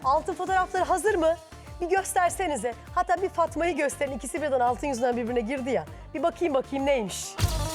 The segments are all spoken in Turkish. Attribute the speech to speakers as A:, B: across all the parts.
A: Altın fotoğrafları hazır mı? Bir göstersenize. Hatta bir Fatma'yı gösterin. İkisi birden altın yüzünden birbirine girdi ya. Bir bakayım neymiş.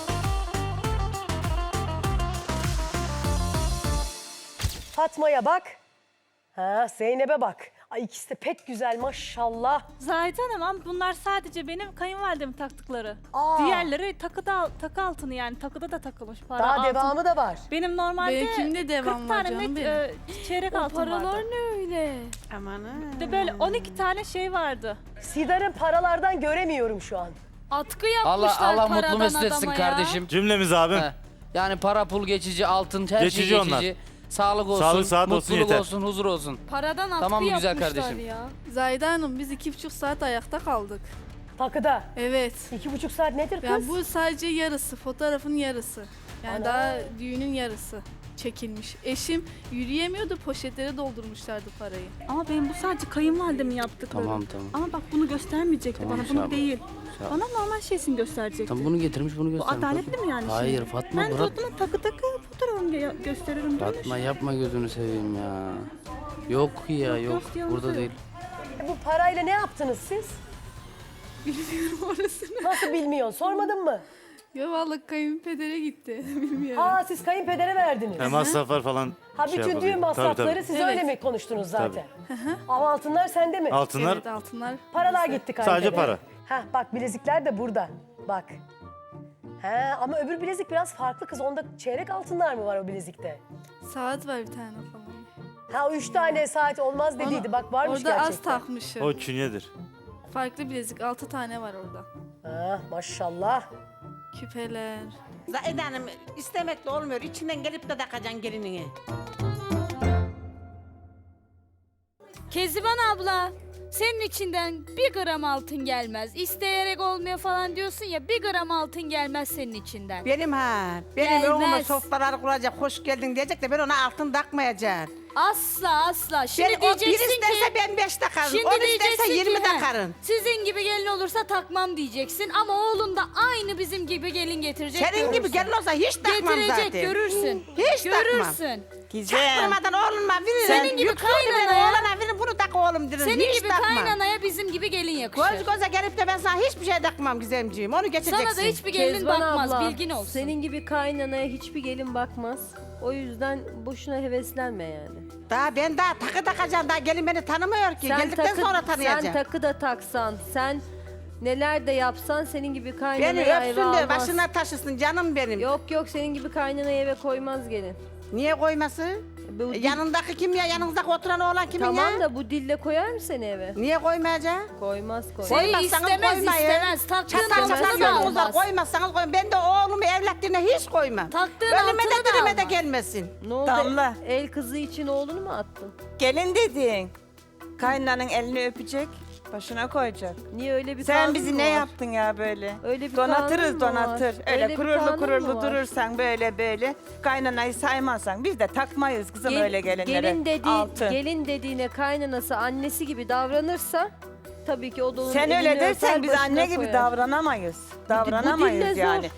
A: Fatma'ya bak. Ha, Zeynep'e bak. Ay ikisi de pek güzel maşallah.
B: Zahide Hanım ama bunlar sadece benim kayınvalidemin taktıkları.
A: Aa.
B: Diğerleri takı altını yani takıda da takılmış para
A: Daha
B: altın.
A: devamı da var.
B: Benim normalde
C: Benimkinde devam
B: 40
C: var
B: tane
C: canım
B: net
C: benim.
B: çeyrek
C: O
B: altın
C: paralar
B: vardı.
C: ne öyle?
D: Amanın.
B: Bir de böyle 12 tane şey vardı.
A: Sidar'ın paralardan göremiyorum şu an.
E: Atkı yapmışlar
F: Allah
E: paradan
F: mutlu mesut etsin
E: adama ya.
F: kardeşim.
G: Cümlemiz abim.
F: He. Yani para pul geçici, altın her
G: Geçici
F: şey geçici.
G: onlar.
F: Sağlık olsun,
G: Sağlık, saat olsun,
F: mutluluk
G: yeter.
F: olsun, huzur olsun.
E: Paradan atkı
F: Tamam mı güzel
E: yapmışlar
F: kardeşim?
E: ya.
C: Zahide Hanım biz 2,5 saat ayakta kaldık.
A: Takıda.
C: Evet.
A: 2,5 saat nedir kız?
C: Yani bu sadece yarısı, fotoğrafın yarısı. Yani
A: Ana.
C: daha düğünün yarısı çekilmiş. Eşim yürüyemiyordu, poşetlere doldurmuşlardı parayı.
B: Ama benim bu sadece kayınvalidemin yaptıkları.
F: Tamam.
B: Ama bak bunu göstermeyecekti
F: Tamam,
B: bana,
F: şey
B: bunu
F: yapma.
B: değil.
F: Şey yapma.
B: Bana normal şeysini gösterecekti.
F: Tam bunu getirmiş, bunu
B: Bu
F: göstermiş.
B: adaletli mi yani
F: Hayır
B: şimdi?
F: Fatma
B: Ben de
F: bırak.
B: o zaman takı fotoğrafımı gösteririm. böyle.
F: Fatma yapma gözünü seveyim ya. Yok ya yok.
B: yalnız
F: Burada
B: yok.
F: değil.
A: Bu parayla ne yaptınız siz?
C: Bilmiyorum orasını.
A: Nasıl bilmiyorsun? Sormadın mı?
C: Ya vallahi kayınpedere gitti. Bilmiyorum.
A: Ha siz kayınpedere verdiniz.
G: Masraflar falan.
A: Ha
G: şey
A: bütün
G: yapalım.
A: düğün
G: Tabii,
A: masrafları
G: tabii.
A: siz
C: Evet.
A: öyle mi konuştunuz zaten? Ama altınlar sende mi?
G: Altınlar
C: Evet, altınlar.
A: Paralar
C: bize.
A: gitti kayınpedere.
G: sadece para.
A: Ha bak bilezikler de burada. Bak. He ama öbür bilezik biraz farklı kız. Onda çeyrek altınlar mı var o bilezikte?
C: Saat var bir tane falan.
A: Ha 3 tane saat olmaz dediydi. Bak varmış
C: Orada
A: gerçekten.
C: az takmışım.
G: O künyedir.
C: Farklı bilezik 6 tane var orada.
A: Ha maşallah.
C: Küpeler.
D: Zahide Hanım istemekle olmuyor. İçinden gelip de takacaksın gelinini.
E: Keziban abla, senin içinden 1 gram altın gelmez. İsteyerek olmuyor falan diyorsun ya, 1 gram altın gelmez senin içinden.
D: Benim benim
E: Gelmez.
D: oğluma sofralar kuracak, hoş geldin diyecek de ben ona altın takmayacağım.
E: Asla. Şimdi
D: Ben, o bir
E: diyeceksin
D: isterse
E: ki...
D: ben 5 takarım,
E: Şimdi
D: 10 isterse
E: diyeceksin
D: 20
E: ki, he,
D: takarım.
E: sizin gibi gelin olursa takmam diyeceksin ama oğlun da aynı bizim gibi gelin getirecek.
D: Senin gibi
E: görürsün.
D: gelin olsa hiç takmam
E: Getirecek,
D: zaten.
E: görürsün.
D: Hiç takmam.
E: Görürsün.
D: Çaktırmadan oğluma veririm.
E: Senin gibi kaynanaya-
D: Oğlana veririm, bunu tak oğlum derim.
E: Senin
D: hiç
E: gibi
D: takmam.
E: kaynanaya bizim gibi gelin yakışır.
D: Göz göze gelip de ben sana hiçbir şey takmam Gizemciğim. Onu geçeceksin.
E: Sana da hiçbir gelin
H: Kezban
E: bakmaz,
H: abla,
E: bilgin olsun.
H: senin gibi kaynanaya hiçbir gelin bakmaz. O yüzden boşuna heveslenme yani.
D: Ben daha takı takacağım. Daha gelin beni tanımıyor ki. Geldikten sonra tanıyacak.
H: Sen takı da taksan, sen neler de yapsan senin gibi kaynanayı
D: Beni
H: eve
D: öpsün de
H: almaz.
D: başına taşısın canım benim.
H: Yok senin gibi kaynanayı eve koymaz gelin.
D: Niye koyması?
H: Bu dil-
D: Yanındaki kim ya? Yanınızdaki oturan oğlan kimin
H: Tamam
D: ya?
H: da bu dille koyar mı seni eve?
D: Niye koymayacak?
H: Koymaz.
E: Seni
D: Koymazsanız
E: istemez
D: koymayın.
E: istemez. Taktığın
D: Çatal çatal
E: altını da
D: yolunuzda
E: almaz.
D: koymazsanız koyun. Ben de oğlumu evlatlarına hiç koymam.
E: Taktığın
D: Ölüme
E: altını
D: de
E: da
D: dirime de
E: almaz.
D: gelmesin.
H: Ne oldu?
I: Damla.
H: El kızı için oğlunu mu attın?
I: Gelin dedin. Kaynananın elini öpecek, başına koyacak.
H: Niye öyle bir
I: Sen
H: kanun
I: bizi
H: mu
I: ne
H: var?
I: yaptın ya böyle?
H: Öyle bir kanun
I: Donatırız
H: mu
I: donatır.
H: var?
I: Öyle
H: Öyle bir
I: kururlu
H: kanun mu
I: kururlu
H: var?
I: durursan böyle kaynanayı saymazsan biz de takmayız kızım öyle gelinlere. Altın.
H: Gelin dediğine kaynanası annesi gibi davranırsa tabii ki o da onun
I: Sen
H: elini
I: öyle
H: öper,
I: dersen biz
H: başına
I: anne gibi
H: koyar.
I: davranamayız.
H: dille
I: Davranamayız
H: zor.
I: yani.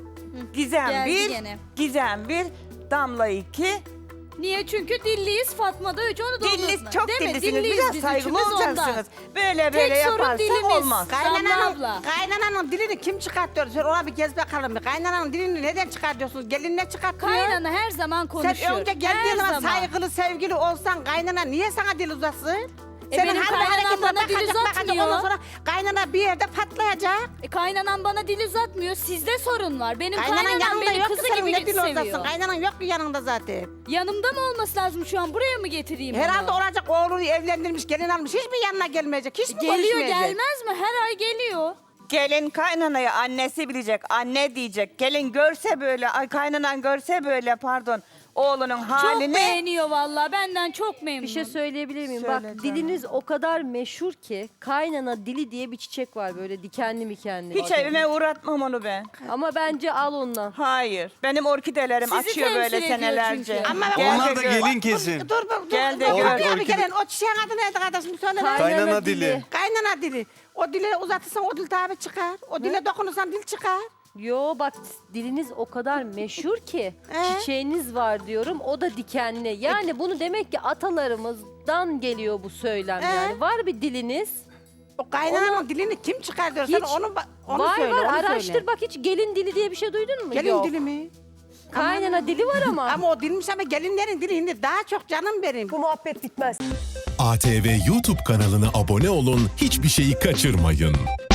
I: Gizem
E: Geldi
I: 1,
E: gene.
I: Gizem 1, Damla 2.
E: Niye? Çünkü dilliyiz, Fatma da 3, onu da
I: Dilli,
E: unutma.
I: çok
E: Değil mi?
I: dillisiniz.
E: Dilliyiz
I: Biraz
E: biz
I: saygılı
E: üçümüz ondan.
I: olacaksınız. Böyle
E: Tek sorun
I: yaparsak
E: dilimiz.
I: olmaz.
E: Abla.
D: Kaynananın dilini kim çıkartıyor? Sen ona bir gez bakalım. Kaynananın dilini neden çıkartıyorsunuz? Gelin ne çıkartıyor?
E: Kaynana her zaman konuşuyor.
D: Sen önce geldiğin
E: Her
D: zaman saygılı, sevgili olsan kaynana niye sana dil uzatsın?
E: benim kaynanam bana dil uzatmıyor.
D: Ondan sonra kaynana bir yerde patlayacak.
E: Kaynanan bana dil uzatmıyor. Sizde sorun var. Benim
D: Kaynanan
E: kaynanam
D: yanında
E: beni
D: yok ki
E: kızı
D: senin
E: gibi
D: ne dil
E: seviyor.
D: uzatsın. Kaynanan yok ki yanında zaten.
E: Yanımda mı olması lazım şu an? Buraya mı getireyim
D: Herhalde
E: onu?
D: olacak oğlunu evlendirmiş, gelin almış. Hiç mi yanına gelmeyecek? Hiç mi
E: Geliyor
D: konuşmayacak?
E: gelmez mi? Her ay geliyor.
I: Gelin kaynanayı annesi bilecek, anne diyecek. Gelin görse böyle, ay kaynanan görse böyle pardon oğlunun
E: Çok
I: halini.
E: beğeniyor vallahi. Benden çok memnun.
H: Bir şey söyleyebilir miyim?
I: Söyle
H: Bak
I: canım.
H: diliniz o kadar meşhur ki kaynana dili diye bir çiçek var böyle dikenli mikenli.
I: Hiç evime uğratmam onu ben.
H: Ama bence al ondan.
I: Hayır. Benim orkidelerim
E: Sizi
I: açıyor böyle
E: temsil ediyor
I: senelerce.
E: çünkü.
D: Ama
I: Gel
G: Onlar
I: de
G: da
I: gör.
G: gelin kesin.
D: Dur.
I: Gel de
D: Dur,
I: gör.
D: abi gelin. O çiçeğin adı neydi kardeşim? Söyle. lan.
G: Kaynana dili.
D: Kaynana dili. O dile uzatırsan o dil tabi çıkar. O dile dokunursan dil çıkar.
H: Yo bak diliniz o kadar meşhur ki çiçeğiniz var diyorum o da dikenli. Yani bunu demek ki atalarımızdan geliyor bu söylem yani. Var bir diliniz.
D: O kaynananın dilini kim çıkartıyor? Sen
H: Hiç-
D: onu
H: var
D: söyle,
H: var
D: onu
H: araştır
D: söyle.
H: bak hiç gelin dili diye bir şey duydun mu?
D: Gelin
H: Yok.
D: dili mi?
H: Kaynana dili var ama.
D: Ama o dilmiş ama gelinlerin dili şimdi daha çok canım benim.
A: Bu muhabbet bitmez.
G: ATV YouTube kanalına abone olun, hiçbir şeyi kaçırmayın.